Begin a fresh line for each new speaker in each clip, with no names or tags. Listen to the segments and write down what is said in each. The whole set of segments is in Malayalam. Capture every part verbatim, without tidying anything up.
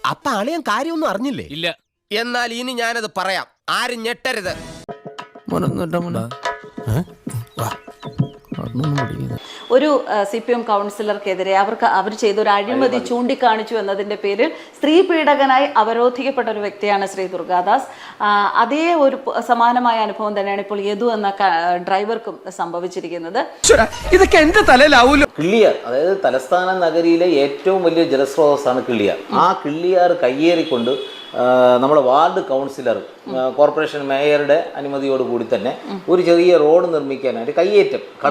അപ്പൊ അളിയൻ കാര്യമൊന്നും അറിഞ്ഞില്ലേ?
ഇല്ല.
എന്നാൽ ഇനി ഞാനത് പറയാം, ആരും ഞെട്ടരുത്.
ഒരു സി പി എം കൗൺസിലർക്കെതിരെ അവർക്ക് അവർ ചെയ്തൊരു അഴിമതി ചൂണ്ടിക്കാണിച്ചു എന്നതിൻ്റെ പേരിൽ സ്ത്രീ പീഡകനായി അവരോധിക്കപ്പെട്ട ഒരു വ്യക്തിയാണ് ശ്രീ ദുർഗാദാസ്. അതേ ഒരു സമാനമായ അനുഭവം തന്നെയാണ് ഇപ്പോൾ യദു എന്ന ഡ്രൈവർക്കും സംഭവിച്ചിരിക്കുന്നത്.
ഇതൊക്കെ എന്റെ തലയിലാവൂലോ.
കിള്ളിയാർ, അതായത് തലസ്ഥാന നഗരിയിലെ ഏറ്റവും വലിയ ജലസ്രോതസ്സാണ് കിള്ളിയാർ. ആ കിള്ളിയാർ കയ്യേറിക്കൊണ്ട് നമ്മുടെ വാർഡ് കൗൺസിലർ കോർപ്പറേഷൻ മേയറുടെ അനുമതിയോടുകൂടി തന്നെ ഒരു ചെറിയ റോഡ് നിർമ്മിക്കാനായിട്ട് കയ്യേറ്റം കട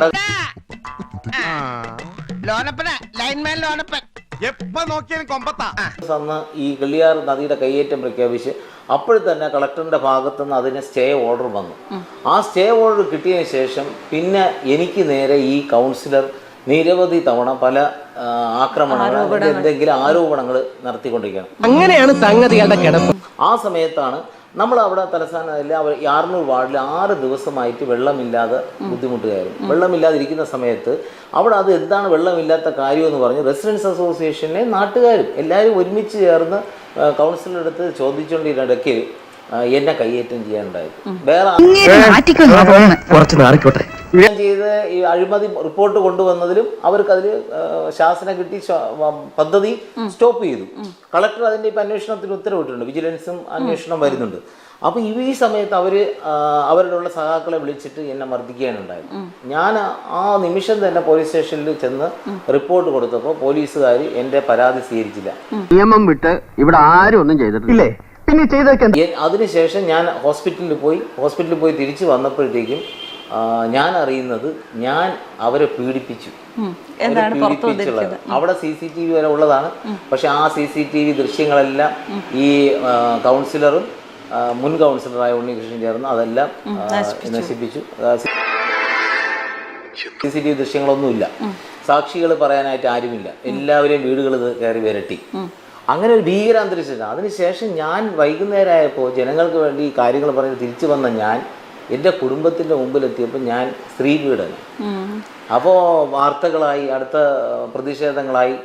അന്ന് ഈ കിള്ളിയാർ നദിയുടെ കയ്യേറ്റം പ്രഖ്യാപിച്ച് അപ്പോൾ തന്നെ കളക്ടറിന്റെ ഭാഗത്തുനിന്ന് അതിന് സ്റ്റേ ഓർഡർ വന്നു. ആ സ്റ്റേ ഓർഡർ കിട്ടിയതിന് ശേഷം പിന്നെ എനിക്ക് നേരെ ഈ കൗൺസിലർ നിരവധി തവണ പല ആക്രമണങ്ങൾ എന്തെങ്കിലും ആരോപണങ്ങൾ നടത്തിക്കൊണ്ടിരിക്കുകയാണ്.
അങ്ങനെയാണ് സംഗതികളുടെ കിടപ്പ്.
ആ സമയത്താണ് നമ്മൾ അവിടെ തലസ്ഥാനത്തിലെ ആർന്നൂർ വാർഡിൽ ആറ് ദിവസമായിട്ട് വെള്ളമില്ലാതെ ബുദ്ധിമുട്ടുകയായിരുന്നു. വെള്ളമില്ലാതിരിക്കുന്ന സമയത്ത് അവിടെ അത് എന്താണ് വെള്ളമില്ലാത്ത കാര്യം എന്ന് പറഞ്ഞ് റെസിഡൻസ് അസോസിയേഷനിലെ നാട്ടുകാരും എല്ലാവരും ഒരുമിച്ച് ചേർന്ന് കൗൺസിലറുടെ അടുത്ത് ചോദിച്ചുകൊണ്ടിരിടയ്ക്ക് എന്നെ കയ്യേറ്റം ചെയ്യാനുണ്ടായത്. വേറെ ഞാൻ ചെയ്ത് ഈ അഴിമതി റിപ്പോർട്ട് കൊണ്ടുവന്നതിലും അവർക്ക് അതിൽ ശാസന കിട്ടി പദ്ധതി സ്റ്റോപ്പ് ചെയ്തു. കളക്ടർ അതിന്റെ ഇപ്പൊ അന്വേഷണത്തിന് ഉത്തരവിട്ടിട്ടുണ്ട്. വിജിലൻസും അന്വേഷണം വരുന്നുണ്ട്. അപ്പൊ ഈ സമയത്ത് അവര് അവരുടെ സഹാക്കളെ വിളിച്ചിട്ട് എന്നെ മർദ്ദിക്കാനുണ്ടായത്. ഞാൻ ആ നിമിഷം തന്നെ പോലീസ് സ്റ്റേഷനിൽ ചെന്ന് റിപ്പോർട്ട് കൊടുത്തപ്പോൾ പോലീസുകാർ എന്റെ പരാതി സ്വീകരിച്ചില്ല.
നിയമം വിട്ട് ഇവിടെ ആരും ഒന്നും ചെയ്തിട്ടില്ലേ? പിന്നെ ചെയ്തൊക്കെ
അതിനുശേഷം ഞാൻ ഹോസ്പിറ്റലിൽ പോയി ഹോസ്പിറ്റലിൽ പോയി തിരിച്ചു വന്നപ്പോഴത്തേക്കും ഞാൻ അറിയുന്നത് ഞാൻ അവരെ പീഡിപ്പിച്ചു. പീഡിപ്പിച്ചുള്ളത് അവിടെ സി സി ടി വി വരെ ഉള്ളതാണ്. പക്ഷെ ആ സി സി ടി വി ദൃശ്യങ്ങളെല്ലാം ഈ കൗൺസിലറും മുൻ കൗൺസിലറായ ഉണ്ണികൃഷ്ണൻ ചേർന്ന് അതെല്ലാം നശിപ്പിച്ചു. സി സി ടി വി ദൃശ്യങ്ങളൊന്നുമില്ല. സാക്ഷികൾ പറയാനായിട്ട് ആരുമില്ല. എല്ലാവരെയും വീടുകൾ കയറി വിരട്ടി. അങ്ങനെ ഒരു ഭീകര അന്തരീക്ഷമാണ്. അതിനുശേഷം ഞാൻ വൈകുന്നേരമായപ്പോൾ ജനങ്ങൾക്ക് വേണ്ടി കാര്യങ്ങൾ പറഞ്ഞ് തിരിച്ചു വന്ന ഞാൻ എൻ്റെ കുടുംബത്തിൻ്റെ മുമ്പിലെത്തിയപ്പോൾ ഞാൻ സ്ത്രീ പീഡനം. അപ്പോൾ വാർത്തകളായി, അടുത്ത പ്രതിഷേധങ്ങളായി.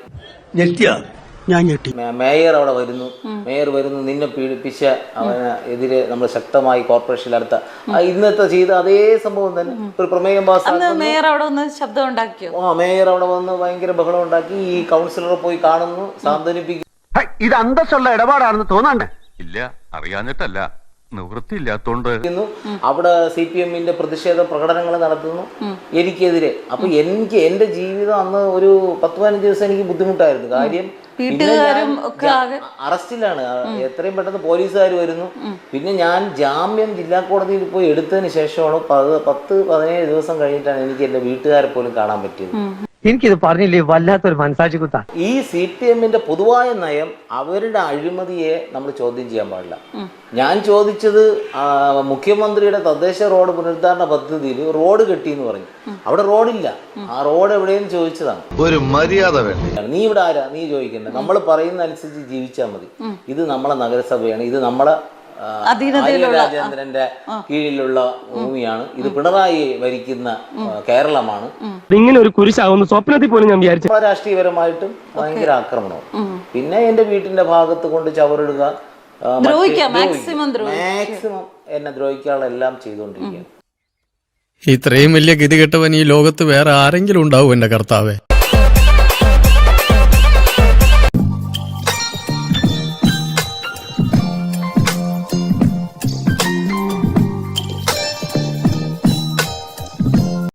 മേയർ അവിടെ വരുന്നു, മേയർ വരുന്നു, നിന്നെ പീഡിപ്പിച്ച അവന് എതിരെ നമ്മൾ ശക്തമായി കോർപ്പറേഷനിൽ അടുത്ത ഇന്നത്തെ ചെയ്ത അതേ സംഭവം തന്നെ ഒരു പ്രമേയം പാസ്സാക്കി.
മേയർ അവിടെ വന്ന് ശബ്ദം ഉണ്ടാക്കിയോ?
ആ മേയർ അവിടെ വന്ന് ഭയങ്കര ബഹളം ഉണ്ടാക്കി. ഈ കൗൺസിലറെ പോയി കാണുന്നു, സാന്ത്വനിപ്പിക്കുന്നു.
ഇത് അന്തസ്സുള്ള ഇടപാടാണെന്ന് തോന്നണ്ടേ?
ഇല്ല, അറിയാഞ്ഞിട്ടല്ല, നിവൃത്തിയില്ലാത്തോണ്ട്.
അവിടെ സി പി എമ്മിന്റെ പ്രതിഷേധ പ്രകടനങ്ങൾ നടത്തുന്നു എനിക്കെതിരെ. അപ്പൊ എനിക്ക് എന്റെ ജീവിതം അന്ന് ഒരു പത്ത് പതിനഞ്ച് ദിവസം എനിക്ക് ബുദ്ധിമുട്ടായിരുന്നു. കാര്യം അറസ്റ്റിലാണ്. എത്രയും പെട്ടെന്ന് പോലീസുകാർ വരുന്നു. പിന്നെ ഞാൻ ജാമ്യം ജില്ലാ കോടതിയിൽ പോയി എടുത്തതിന് ശേഷമാണ് പത്ത് പതിനേഴ് ദിവസം കഴിഞ്ഞിട്ടാണ് എനിക്ക് എന്റെ വീട്ടുകാരെ പോലും കാണാൻ പറ്റിയത്.
എനിക്കിത് പറഞ്ഞില്ലേ, വല്ലാത്തൊരു മനസാക്ഷി കുത്താ.
ഈ സി പി എമ്മിന്റെ പൊതുവായ നയം അവരുടെ അഴിമതിയെ നമ്മൾ ചോദ്യം ചെയ്യാൻ പാടില്ല. ഞാൻ ചോദിച്ചത് മുഖ്യമന്ത്രിയുടെ തദ്ദേശ റോഡ് പുനരുദ്ധാരണ പദ്ധതിയിൽ റോഡ് കെട്ടി എന്ന് പറഞ്ഞു. അവിടെ റോഡില്ല. ആ റോഡ് എവിടെയെന്ന് ചോദിച്ചതാണ്.
ഒരു മര്യാദ വേണ്ട.
നീ ഇവിടെ ആരാ? നീ ചോദിക്കണ്ട. നമ്മൾ പറയുന്ന അനുസരിച്ച് ജീവിച്ചാൽ മതി. ഇത് നമ്മളെ നഗരസഭയാണ്. ഇത് നമ്മളെ രാജേന്ദ്രന്റെ കീഴിലുള്ള ഭൂമിയാണ്. ഇത് പിണറായി ഭരിക്കുന്ന കേരളമാണ്.
ഇങ്ങനെ ഒരു കുരിശാവുന്ന സ്വപ്നത്തിൽ പോലും ഞാൻ വിചാരിച്ചു.
രാഷ്ട്രീയപരമായിട്ടും ഭയങ്കര ആക്രമണവും. പിന്നെ എന്റെ വീട്ടിന്റെ ഭാഗത്ത് കൊണ്ട് ചവറിടുക, മാക്സിമം എന്നെ ദ്രോഹിക്കാനുള്ള എല്ലാം ചെയ്തുകൊണ്ടിരിക്കുകയാണ്.
ഇത്രയും വലിയ ഗതികെട്ടവൻ ഈ ലോകത്ത് വേറെ ആരെങ്കിലും ഉണ്ടാവും എന്റെ കർത്താവേ?